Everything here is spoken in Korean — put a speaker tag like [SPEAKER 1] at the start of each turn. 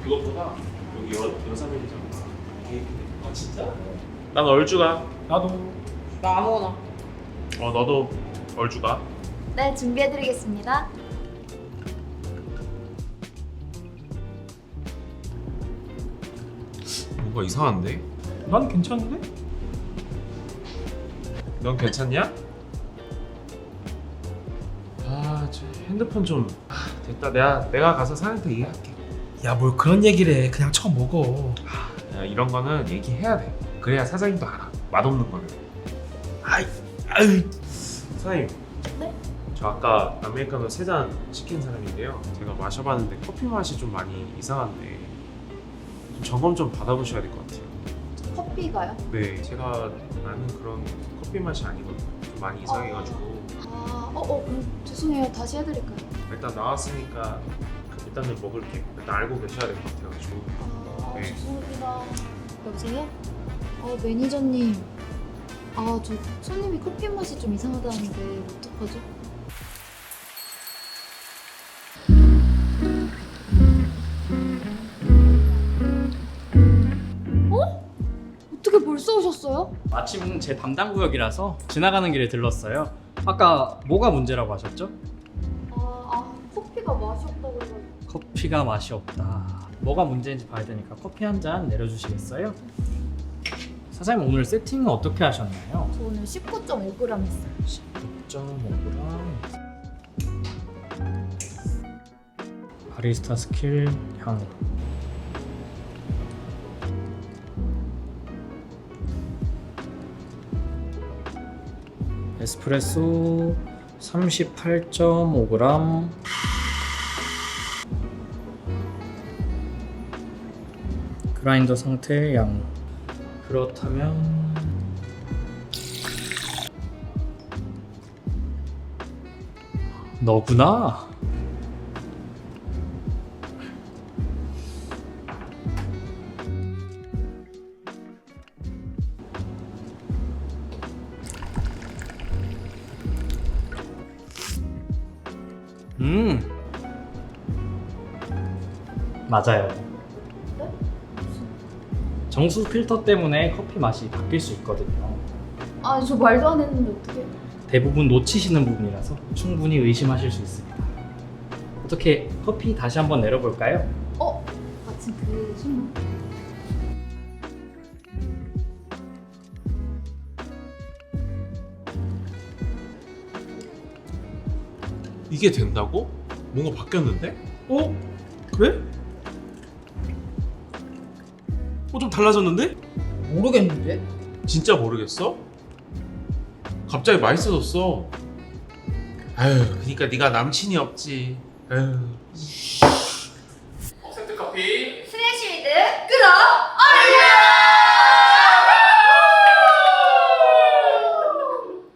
[SPEAKER 1] 그것보다 여기 여사면이잖아.
[SPEAKER 2] 아 진짜?
[SPEAKER 1] 난 얼주가.
[SPEAKER 2] 나도.
[SPEAKER 3] 나 아무거나.
[SPEAKER 1] 너도 얼주가.
[SPEAKER 4] 네, 준비해드리겠습니다.
[SPEAKER 1] 뭔가 이상한데?
[SPEAKER 2] 난 괜찮은데?
[SPEAKER 1] 넌 괜찮냐? 저 핸드폰 좀 됐다. 내가 가서 사장한테 얘기할게.
[SPEAKER 2] 야 뭘 그런 얘기를 해. 그냥 처음 먹어.
[SPEAKER 1] 야, 이런 거는 얘기해야 돼. 그래야 사장님도 알아. 맛없는 거는.
[SPEAKER 2] 아유.
[SPEAKER 1] 사장님.
[SPEAKER 4] 네?
[SPEAKER 1] 저 아까 아메리카노 3잔 시킨 사람인데요. 제가 마셔봤는데 커피 맛이 좀 많이 이상한데 좀 점검 좀 받아보셔야 될 것 같아요.
[SPEAKER 4] 커피가요?
[SPEAKER 1] 네, 제가 아는 그런 커피 맛이 아니거든요. 좀 많이 이상해가지고
[SPEAKER 4] 그럼 죄송해요. 다시 해드릴까요?
[SPEAKER 1] 일단 나왔으니까 일단 좀 먹을게. 일단 알고 계셔야 될 것 같아가지고. 네.
[SPEAKER 4] 죄송합니다. 여보세요? 매니저님. 저 손님이 커피 맛이 좀 이상하다는데 어떡하죠? 어떻게 벌써 오셨어요?
[SPEAKER 5] 마침 제 담당 구역이라서 지나가는 길에 들렀어요. 아까 뭐가 문제라고 하셨죠?
[SPEAKER 4] 커피가 맛이 없다고 해가지고.
[SPEAKER 5] 커피가 맛이 없다. 뭐가 문제인지 봐야 되니까 커피 한 잔 내려주시겠어요? 사장님 오늘 세팅은 어떻게 하셨나요?
[SPEAKER 4] 저 오늘 19.5g 했어요.
[SPEAKER 5] 6.5g 바리스타 스킬 향으로 에스프레소 38.5g 그라인더 상태의 양. 그렇다면 너구나. 맞아요.
[SPEAKER 4] 네?
[SPEAKER 5] 정수 필터 때문에 커피 맛이 바뀔 수 있거든요.
[SPEAKER 4] 저 말도 안 했는데 어떡해.
[SPEAKER 5] 대부분 놓치시는 부분이라서 충분히 의심하실 수 있습니다. 어떻게 커피 다시 한번 내려볼까요?
[SPEAKER 4] 마침 그 순간.
[SPEAKER 1] 이게 된다고? 뭔가 바뀌었는데?
[SPEAKER 2] 그래? 좀 달라졌는데?
[SPEAKER 3] 모르겠는데?
[SPEAKER 1] 진짜 모르겠어? 갑자기 맛있어졌어. 그러니까 네가 남친이 없지. 세트 커피.